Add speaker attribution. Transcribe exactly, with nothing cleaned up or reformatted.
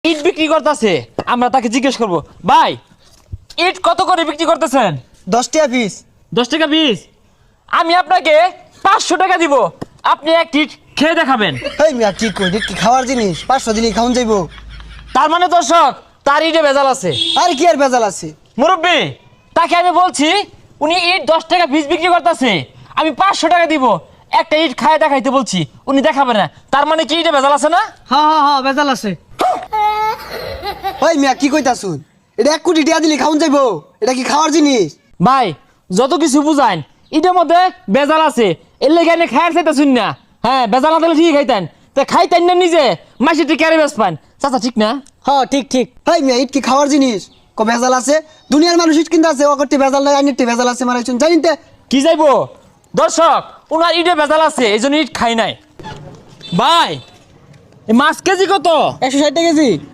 Speaker 1: ইট বিক্রি করতেছে, আমরা তাকে জিজ্ঞেস করব, ভাই ইট কত করে বিক্রি করতেছেন?
Speaker 2: দশ টাকা পিস।
Speaker 1: দশ টাকা পিস। আমি আপনাকে পাঁচশো টাকা দিব, আপনি এক ইট খেয়ে দেখাবেন।
Speaker 2: এই মিয়া কি কই, এটা কি খাওয়ার জিনিস? পাঁচশো দিলে খাওন যাইবো?
Speaker 1: তার মানে দর্শক তার ইটে ভেজাল আছে।
Speaker 2: আরে কি আর ভেজাল আছে?
Speaker 1: মুরব্বী, তাকে আমি বলছি উনি ইট দশ টাকা পিস বিক্রি করতেছে, আমি পাঁচশো টাকা দিব, একটা ইট খায় দেখাইতে বলছি, উনি দেখাবে না, তার মানে কি ইটে ভেজাল আছে না?
Speaker 3: হ্যাঁ হ্যাঁ হ্যাঁ বেজাল আছে।
Speaker 2: ওই মিয়া কি কইতাছুন? এটা এক কোটি টাকা দিলে খাওন যাইবো? এটা কি খাওয়ার জিনিস?
Speaker 1: ভাই যত কিছু বুঝাইন, ইটের মধ্যে বেজাল আছে, এর লেগে এনে খায়ার চাইতেছুন না। হ্যাঁ বেজাল না দিলে ঠিক খাইতেন, তা খাইতেন না নিজে, মাসি ঠিক ক্যারে বেশ পান। চাচা ঠিক না?
Speaker 3: হ্যাঁ ঠিক ঠিক।
Speaker 2: এই মিয়া ইট কি খাওয়ার জিনিস? ক ভেজাল আছে? দুনিয়ার মানুষ ইট কিনতে আছে, ও করতে ভেজাল নাই, আইনিতে ভেজাল আছে মারাইছুন জানিতে?
Speaker 1: কি যাইবো দর্শক, ওনার ইটে বেজাল আছে, এই জন্য ইট খাই নাই। ভাই এই মাছ কেজি কত?
Speaker 2: একশো ষাট টাকা কেজি।